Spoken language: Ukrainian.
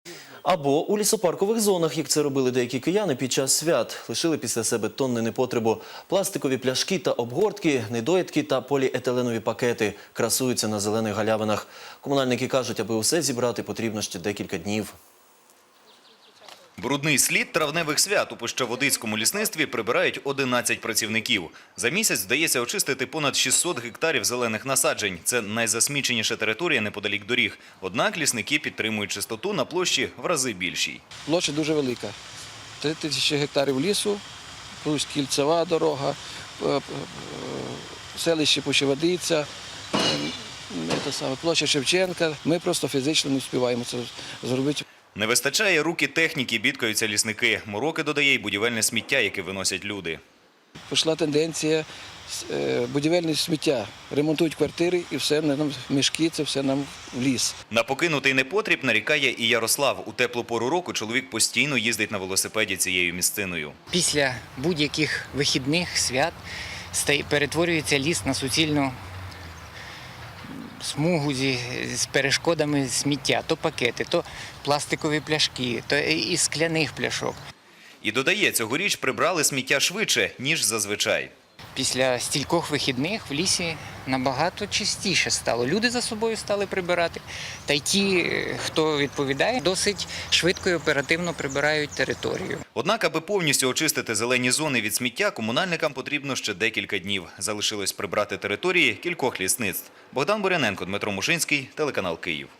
Або у лісопаркових зонах, як це робили деякі кияни під час свят. Лишили після себе тонни непотребу. Пластикові пляшки та обгортки, недоїдки та поліетиленові пакети красуються на зелених галявинах. Комунальники кажуть, аби усе зібрати, потрібно ще декілька днів. Брудний слід травневих свят у Пущаводицькому лісництві прибирають 11 працівників. За місяць вдається очистити понад 600 гектарів зелених насаджень. Це найзасміченіша територія неподалік доріг. Однак лісники підтримують чистоту на площі в рази більшій. Площа дуже велика. 3000 гектарів лісу, плюс кільцева дорога, селище Пущаводиця, площа Шевченка. Ми просто фізично не встигаємо це зробити. Не вистачає рук і техніки, бідкаються лісники. Мороки додає й будівельне сміття, яке виносять люди. Пішла тенденція будівельне сміття. Ремонтують квартири і все нам мішки, це все нам в ліс. На покинутий непотріб нарікає і Ярослав. У теплу пору року чоловік постійно їздить на велосипеді цією місциною. Після будь-яких вихідних свят перетворюється ліс на суцільну смугу з перешкодами сміття. То пакети, то пластикові пляшки, то і скляних пляшок. І додає, цьогоріч прибрали сміття швидше, ніж зазвичай. Після стількох вихідних в лісі набагато чистіше стало. Люди за собою стали прибирати. Та й ті, хто відповідає, досить швидко і оперативно прибирають територію. Однак, аби повністю очистити зелені зони від сміття, комунальникам потрібно ще декілька днів. Залишилось прибрати території кількох лісництв. Богдан Буряненко, Дмитро Мушинський, телеканал Київ.